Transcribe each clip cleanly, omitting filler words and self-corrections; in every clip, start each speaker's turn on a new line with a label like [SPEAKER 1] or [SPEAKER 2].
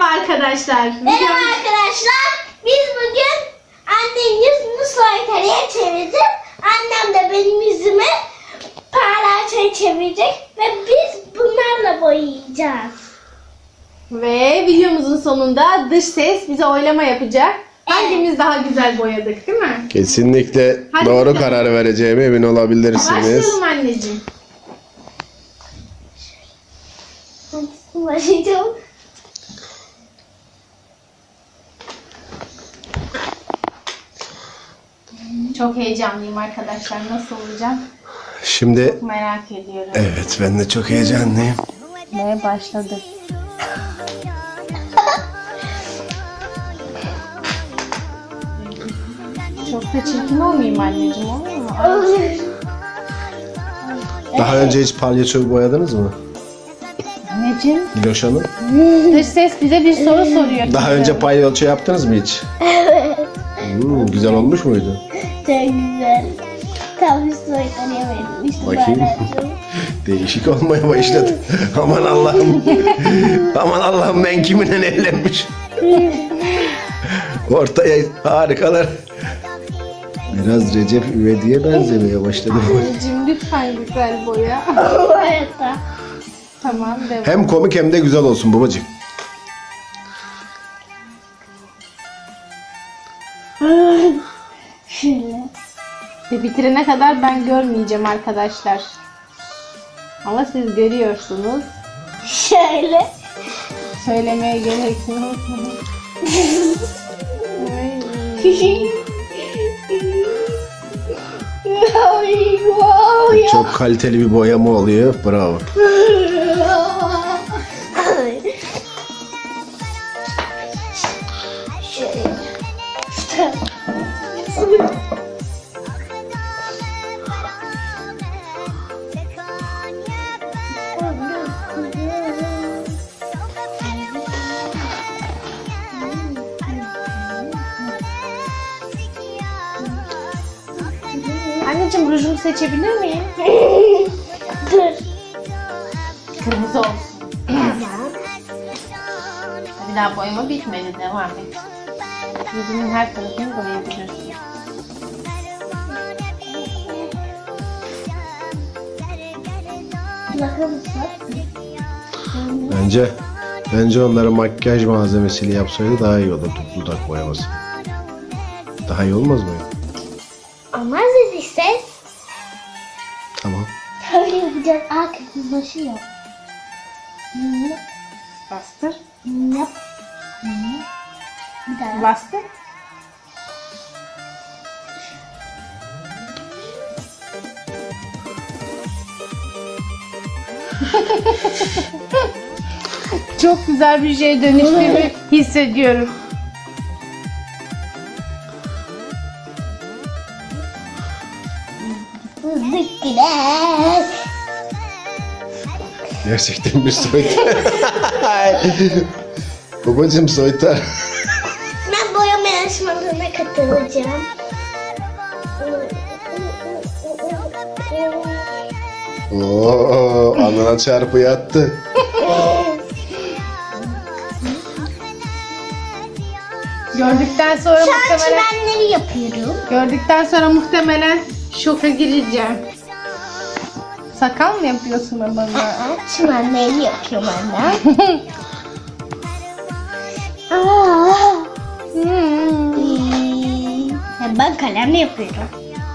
[SPEAKER 1] arkadaşlar.
[SPEAKER 2] Merhaba arkadaşlar. Biz bugün annemin yüzünü soytarıya çevireceğiz. Annem de benim yüzümü parlaçaya çevirecek. Ve biz bunlarla boyayacağız.
[SPEAKER 1] Ve videomuzun sonunda dış ses bize oylama yapacak. Hangimiz daha güzel boyadık, değil mi?
[SPEAKER 3] Kesinlikle
[SPEAKER 1] Hadi
[SPEAKER 3] doğru
[SPEAKER 1] bakalım.
[SPEAKER 3] karar vereceğime emin olabilirsiniz.
[SPEAKER 1] Başlayalım anneciğim.
[SPEAKER 2] Hangisini başlayacağım?
[SPEAKER 1] Çok heyecanlıyım arkadaşlar. Nasıl olacak?
[SPEAKER 3] Şimdi
[SPEAKER 1] Çok merak ediyorum.
[SPEAKER 3] evet, ben de çok heyecanlıyım.
[SPEAKER 1] Ve başladık. Çok da çirkin olmayayım anneciğim, olur mu?
[SPEAKER 3] Daha önce hiç palyaço boyadınız mı?
[SPEAKER 1] Anneciğim,
[SPEAKER 3] Diloş Hanım.
[SPEAKER 1] dış ses bize bir soru soruyor.
[SPEAKER 3] Daha önce palyaço yaptınız mı hiç?
[SPEAKER 2] Evet.
[SPEAKER 3] Güzel olmuş muydu?
[SPEAKER 2] Çok güzel. Tam bir soytarıya verilmişti.
[SPEAKER 3] Bakayım. Değişik olmaya başladı. Aman Allah'ım. Aman Allah'ım, ben kiminle evlenmiş? Ortaya harikalar. Biraz Recep İvedik'e benzemeye başladı.
[SPEAKER 1] Anneciğim lütfen güzel boya.
[SPEAKER 2] Evet.
[SPEAKER 1] Tamam, devam.
[SPEAKER 3] Hem komik hem de güzel olsun babacığım.
[SPEAKER 2] Şöyle.
[SPEAKER 1] Ve bitirene kadar ben görmeyeceğim arkadaşlar. Ama siz görüyorsunuz.
[SPEAKER 2] Şöyle.
[SPEAKER 1] Söylemeye gerek yok. Ay.
[SPEAKER 3] Çok kaliteli bir boyama oluyor. Bravo.
[SPEAKER 1] Anneciğim rujumu seçebilir miyim?
[SPEAKER 2] Dur.
[SPEAKER 1] Kırmızı olsun. Bir daha boyama bitmedi. Devam et. Yüzümün her tarafını boyayabilirsin.
[SPEAKER 3] Bence onları makyaj malzemesiyle yapsaydı daha iyi olurdu, dudak boyaması. Daha iyi olmaz mı?
[SPEAKER 2] Ama siz ses.
[SPEAKER 3] Tamam.
[SPEAKER 2] Böyle yapacağız. Kırmızılaşıyor.
[SPEAKER 1] Bastır.
[SPEAKER 2] Yap. Bir daha.
[SPEAKER 1] Bastır. Çok güzel bir şeye dönüştüğümü hissediyorum.
[SPEAKER 2] Zıkkılar.
[SPEAKER 3] Gerçekten bir soytar. Babacım, soytar.
[SPEAKER 2] Ben boyama yarışmalarına katılacağım.
[SPEAKER 3] Oo, alnına çarpı yattı.
[SPEAKER 1] Gördükten sonra
[SPEAKER 2] Şu an
[SPEAKER 1] muhtemelen
[SPEAKER 2] çimenleri yapıyorum.
[SPEAKER 1] şoka gireceğim. Sakal mı yapıyorsun bana?
[SPEAKER 2] Çimenleri yapıyorum anne. Ben kalemle yapıyorum.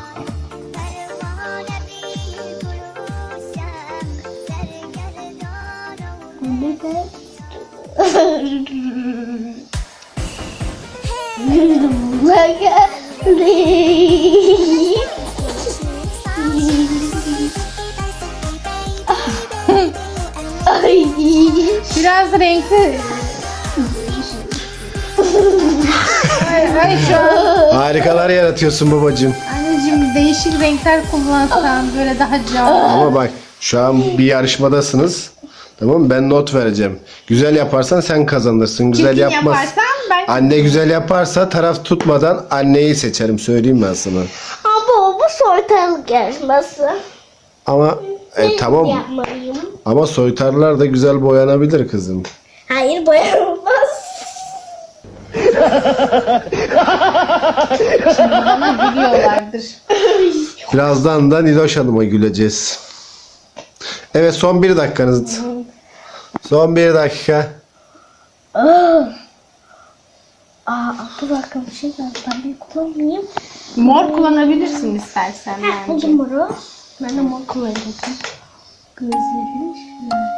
[SPEAKER 2] Ay.
[SPEAKER 1] Biraz renkli. Ay şu an.
[SPEAKER 3] Harikalar yaratıyorsun babacım.
[SPEAKER 1] Anneciğim değişik renkler kullansan böyle daha canlı.
[SPEAKER 3] Ama bak, şu an bir yarışmadasınız. Tamam mı? Ben not vereceğim. Güzel yaparsan sen kazanırsın. Güzel
[SPEAKER 1] Çirkin
[SPEAKER 3] yapmaz.
[SPEAKER 1] yaparsan ben...
[SPEAKER 3] Anne güzel yaparsa taraf tutmadan anneyi seçerim. Söyleyeyim ben sana.
[SPEAKER 2] Ama bu soytarılık yarışması.
[SPEAKER 3] Ama tamam.
[SPEAKER 2] Yapmalıyım.
[SPEAKER 3] Ama soytarlar da güzel boyanabilir kızım.
[SPEAKER 2] Hayır boyanılmaz.
[SPEAKER 1] Şimdi bana gülüyorlardır.
[SPEAKER 3] Birazdan da Niloş Hanım'a güleceğiz. Evet, son 1 dakikanız. Son 1 dakika.
[SPEAKER 2] Dur bakalım bir şey var. Ben bir kullanmayayım.
[SPEAKER 1] Mor kullanabilirsin istersen bence.
[SPEAKER 2] Buldum moru. Ben de mor kullanacağım. Gözleri şöyle.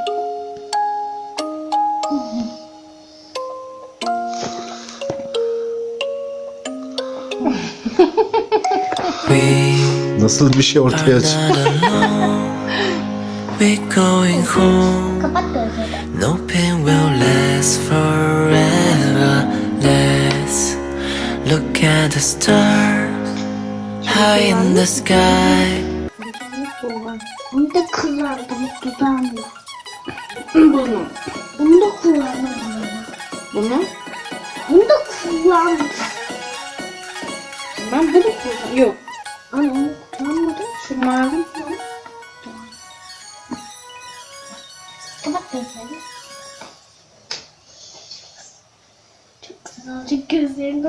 [SPEAKER 3] Nasıl bir şey ortaya çıktı?
[SPEAKER 4] We're going home.
[SPEAKER 2] Kapat gözleri.
[SPEAKER 4] No pain will last forever. Let's look at the stars high in the sky.
[SPEAKER 2] Bunu da kullandım dudağımla.
[SPEAKER 1] Bunu.
[SPEAKER 2] Bunu da kullandım.
[SPEAKER 1] Bunu.
[SPEAKER 2] Bunu da kullandım.
[SPEAKER 1] Ben bunu kullanıyorum. Yok.
[SPEAKER 2] Ama onu kullanmadım.
[SPEAKER 1] Şu mavi.
[SPEAKER 2] Kapat gözleri. Çok güzel. Çok gözlerini.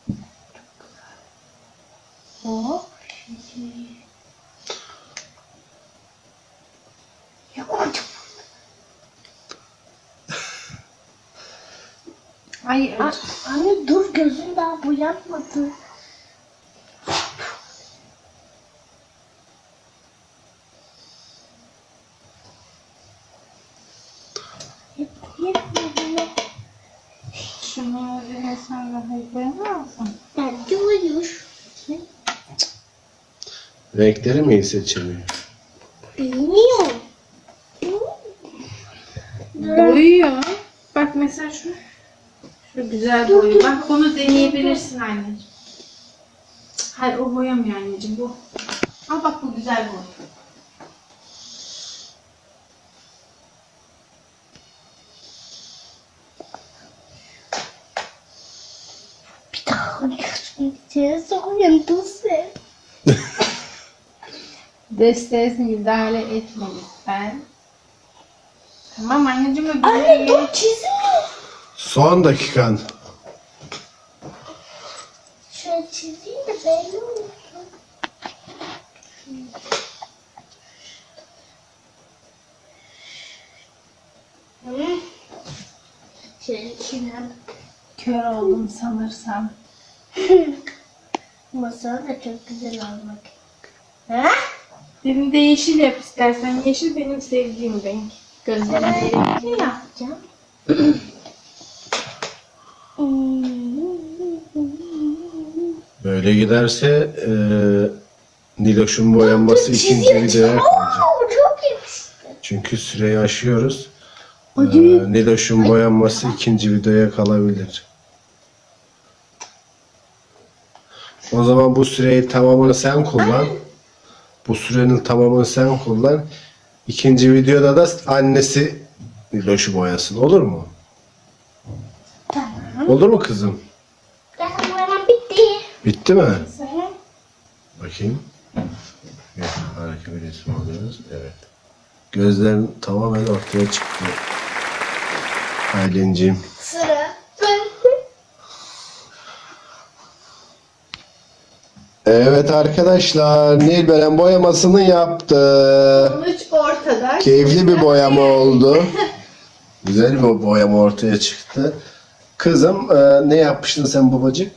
[SPEAKER 2] Oh. Ya kocaman.
[SPEAKER 1] Ay,
[SPEAKER 2] Anne dur, gözün daha boyanmadı. Yetmedi.
[SPEAKER 1] şunu sen daha koyamaz mısın?
[SPEAKER 2] Bence uyuyor.
[SPEAKER 3] Renkleri mi iyi seçemiyor?
[SPEAKER 2] Bilmiyorum.
[SPEAKER 1] Boyuyor. Bak mesela şu. Şu güzel boyuyor. Bak bunu deneyebilirsin anneciğim. Hayır, o boyamıyor anneciğim, bu. Al bak, bu güzel boyuyor.
[SPEAKER 2] Bir daha gözün içine sokuyorum sen.
[SPEAKER 1] Desteğe müdahale etme lütfen. Tamam anneciğim, öbürü
[SPEAKER 2] Anne
[SPEAKER 1] iyi.
[SPEAKER 2] dur, çizmiyor.
[SPEAKER 3] Son dakikan.
[SPEAKER 2] Şöyle çizeyim de belli olsun. Şöyle kenara.
[SPEAKER 1] Kör oldum sanırsam.
[SPEAKER 2] Masal da çok güzel olmak. Ha?
[SPEAKER 1] Benim de yeşil yap istersen. Yeşil benim sevdiğim renk. Gözlerim renkli ya.
[SPEAKER 2] Yapacağım.
[SPEAKER 3] Böyle giderse Niloş'un boyanması ikinci videoya kalacak.
[SPEAKER 2] Çok yakıştı.
[SPEAKER 3] Çünkü süreyi aşıyoruz. Niloş'un boyanması ikinci videoya kalabilir. O zaman bu süreyi tamamını sen kullan. Bu sürenin tamamını sen kullan. İkinci videoda da annesi Niloş'u boyasın. Olur mu?
[SPEAKER 2] Tamam.
[SPEAKER 3] Olur mu kızım?
[SPEAKER 2] Zaten boyamam bitti.
[SPEAKER 3] Bitti mi? Bakayım. Evet, harika bir resim alıyoruz. Evet. Gözlerin tamamen ortaya çıktı. Aylin'ciğim.
[SPEAKER 2] Sıra.
[SPEAKER 3] Evet arkadaşlar, Nilberen boyamasını yaptı.
[SPEAKER 1] Sonuç ortada.
[SPEAKER 3] Keyifli bir boyama oldu. Güzel bir boyama ortaya çıktı. Kızım, ne yapmıştın sen babacık?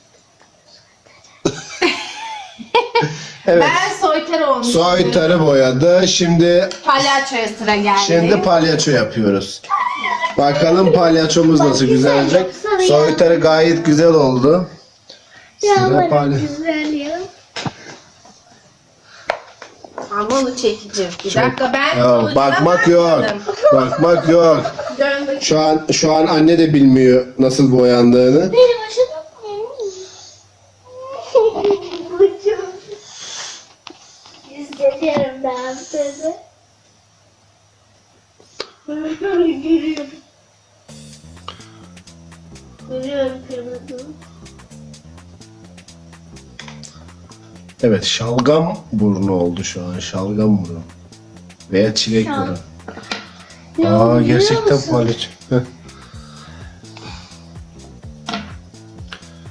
[SPEAKER 3] Evet,
[SPEAKER 1] Ben soytar olmuşum.
[SPEAKER 3] soytarı boyadı. Şimdi
[SPEAKER 1] Palyaçoya sıra geldi.
[SPEAKER 3] palyaço yapıyoruz. Bakalım palyaçomuz nasıl güzel olacak. Soytarı gayet güzel oldu.
[SPEAKER 2] Ya
[SPEAKER 3] Sıra
[SPEAKER 2] bana
[SPEAKER 3] palya.
[SPEAKER 2] güzel ya.
[SPEAKER 1] Ama onu çekeceğim. Bir dakika, ben
[SPEAKER 3] Ya,
[SPEAKER 1] sonucuna
[SPEAKER 3] bakmak yok.
[SPEAKER 1] bakmadım.
[SPEAKER 3] Bakmak yok.
[SPEAKER 1] Dön bakayım.
[SPEAKER 3] Şu an anne de bilmiyor nasıl boyandığını.
[SPEAKER 2] Benim başım. Bacım. İzleniyorum ben seni. Görüyorum. Görüyorum kırmızı.
[SPEAKER 3] Evet, şalgam burnu oldu şu an. Şalgam burnu. Veya çilek burnu. Aa, gerçekten palyaço. Heh.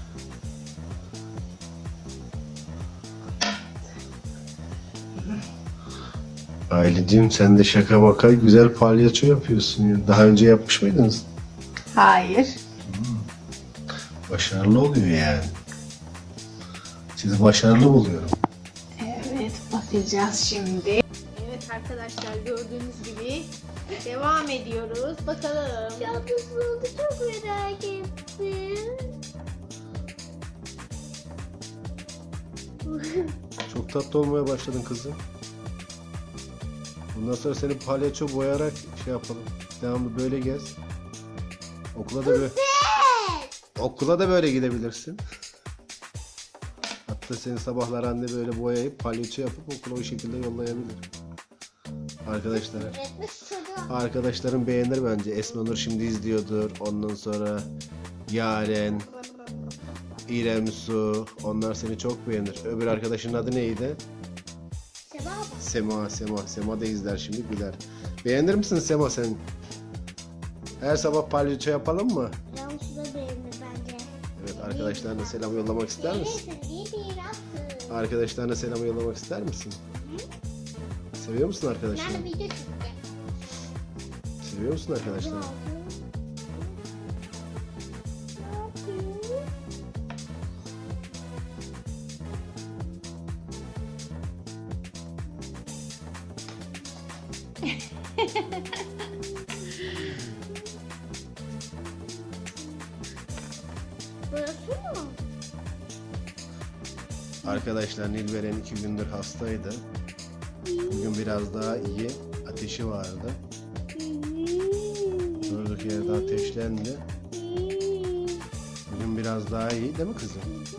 [SPEAKER 3] Aylin'cim sen de şaka maka güzel palyaço yapıyorsun ya. Daha önce yapmış mıydınız?
[SPEAKER 1] Hayır.
[SPEAKER 3] Başarılı oluyor yani. Sizi başarılı buluyorum.
[SPEAKER 1] Evet, bakacağız şimdi. Evet arkadaşlar, gördüğünüz gibi devam ediyoruz. Bakalım.
[SPEAKER 2] Nasıl oldu çok merak ettim.
[SPEAKER 3] Çok tatlı olmaya başladın kızım. Bundan sonra seni palyaço boyayarak şey yapalım. Devamlı böyle gez. Okula da böyle gidebilirsin. Hatta seni sabahlar anne böyle boyayıp palyaço yapıp okula o şekilde yollayabilir. Arkadaşlarım beğenir bence. Esma Nur şimdi izliyordur. Ondan sonra Yaren, İrem Su. Onlar seni çok beğenir. Öbür arkadaşın adı neydi? Sema da izler şimdi güler. Beğenir misin Sema sen? Her sabah palyaço yapalım mı? Evet, arkadaşlarına selam yollamak ister misin? Arkadaşlarına selam yollamak ister misin? Seviyor musun arkadaşlarını? Seviyor musun arkadaşlarını?
[SPEAKER 2] Burası mı?
[SPEAKER 3] Arkadaşlar Nilberen 2 gündür hastaydı. Bugün biraz daha iyi. Ateşi vardı. Durduk yerde ateşlendi. Bugün biraz daha iyi değil mi kızım?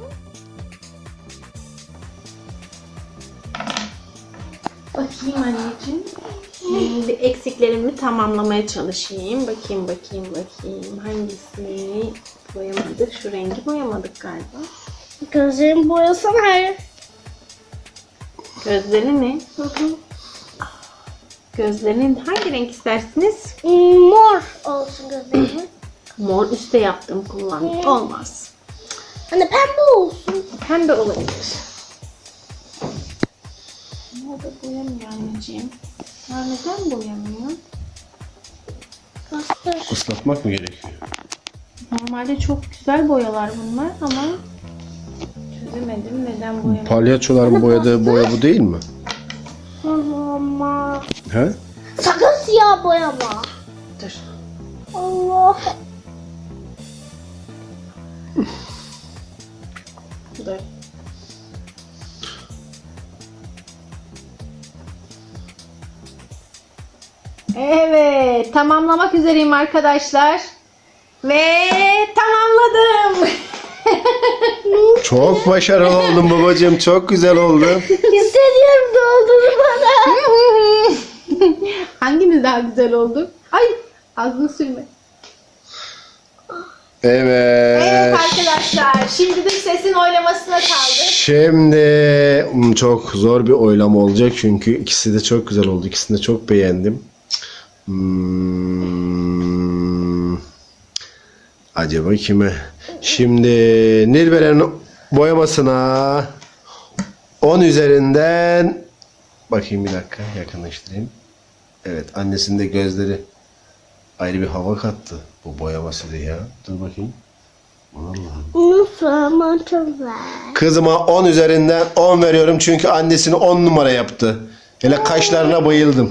[SPEAKER 1] Bakayım anneciğim. Şimdi eksiklerimi tamamlamaya çalışayım. Bakayım. Hangisini boyamadık? Şu rengi boyamadık galiba.
[SPEAKER 2] Gözlerimi boyasana.
[SPEAKER 1] Gözleri ne? Gözlerinin hangi renk istersiniz?
[SPEAKER 2] Mor olsun gözlerimi.
[SPEAKER 1] Mor üstte yaptım, kullandım. Olmaz.
[SPEAKER 2] Hani pembe olsun.
[SPEAKER 1] Pembe olabilir. Mor da boyamıyor anneciğim. Ya neden boyamıyor?
[SPEAKER 2] Bastır.
[SPEAKER 3] Islatmak mı gerekiyor?
[SPEAKER 1] Normalde çok güzel boyalar bunlar ama çözemedim neden boyamıyor.
[SPEAKER 3] Palyaçoların boyadığı boya bu değil mi?
[SPEAKER 2] Ama
[SPEAKER 3] He?
[SPEAKER 2] sakın siyah boyama.
[SPEAKER 1] Dur.
[SPEAKER 2] Allah.
[SPEAKER 1] Dur. Evet, tamamlamak üzereyim arkadaşlar. Ve tamamladım.
[SPEAKER 3] Çok başarılı oldun babacığım. Çok güzel oldu.
[SPEAKER 2] Hissediyorum dolduğunu bana.
[SPEAKER 1] Hangimiz daha güzel oldu? Ay, ağzını sürme. Evet
[SPEAKER 3] Evet.
[SPEAKER 1] arkadaşlar, şimdi de sesin oylamasına kaldı.
[SPEAKER 3] Şimdi çok zor bir oylama olacak çünkü ikisi de çok güzel oldu. İkisini de çok beğendim. Acaba kime? Şimdi Nilberen'in boyamasına 10 üzerinden bakayım bir dakika yakınlaştırayım. Evet, annesinin de gözleri ayrı bir hava kattı bu boyaması da ya. Dur bakayım. Allah'ım.
[SPEAKER 2] Nasıl ama çok güzel.
[SPEAKER 3] Kızıma 10 üzerinden 10 veriyorum çünkü annesini 10 numara yaptı. Hele kaşlarına bayıldım.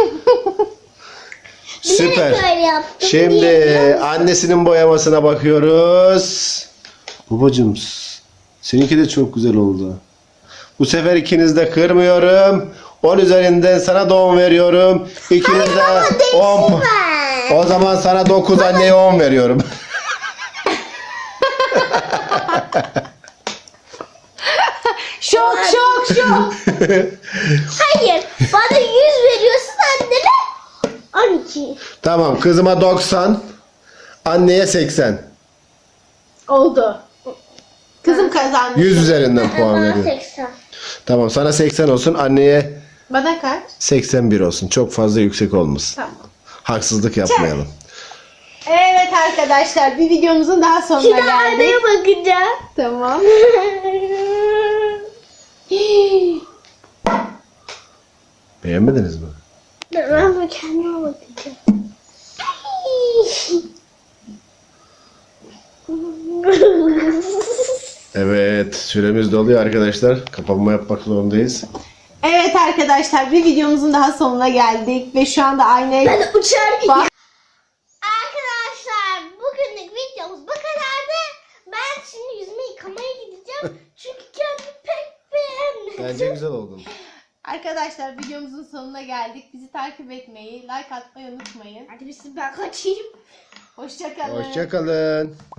[SPEAKER 3] Süper.
[SPEAKER 2] Böyle yaptım.
[SPEAKER 3] Şimdi annesinin boyamasına bakıyoruz. Babacığım seninki de çok güzel oldu. Bu sefer ikiniz de kırmıyorum. 10 üzerinden sana da 10 veriyorum. İkiniz de 10. O zaman sana 9, anneye 10 veriyorum.
[SPEAKER 1] Şok.
[SPEAKER 2] Hayır. Bana 100 veriyorsun annene. 12.
[SPEAKER 3] Tamam, kızıma 90, anneye 80.
[SPEAKER 1] Oldu. Kızım kazandı.
[SPEAKER 3] 100 üzerinden puan
[SPEAKER 2] Bana
[SPEAKER 3] veriyorum.
[SPEAKER 2] 80.
[SPEAKER 3] Tamam, sana 80 olsun, anneye
[SPEAKER 1] Bana kaç?
[SPEAKER 3] 81 olsun. Çok fazla yüksek olmasın.
[SPEAKER 1] Tamam.
[SPEAKER 3] Haksızlık yapmayalım.
[SPEAKER 1] Evet arkadaşlar, bir videomuzun daha sonuna
[SPEAKER 2] Şimdi
[SPEAKER 1] geldik.
[SPEAKER 2] aynaya bakacağım.
[SPEAKER 1] Tamam.
[SPEAKER 3] Beğenmediniz mi?
[SPEAKER 2] Ben de kendime bakacağım.
[SPEAKER 3] Evet, süremiz doluyor arkadaşlar. Kapanma yapmak zorundayız.
[SPEAKER 1] Evet arkadaşlar, bir videomuzun daha sonuna geldik ve şu anda aynaya
[SPEAKER 2] Ben uçar gibi.
[SPEAKER 1] Bak-
[SPEAKER 2] Arkadaşlar bugünlük videomuz bu kadardı. Ben şimdi yüzümü yıkamaya gideceğim. Çünkü kendimi pek beğenmedim.
[SPEAKER 3] Bence güzel oldun.
[SPEAKER 1] Arkadaşlar videomuzun sonuna geldik. Bizi takip etmeyi, like atmayı unutmayın.
[SPEAKER 2] Hadi biz ben kaçayım.
[SPEAKER 1] Hoşça kalın.
[SPEAKER 3] Hoşça kalın.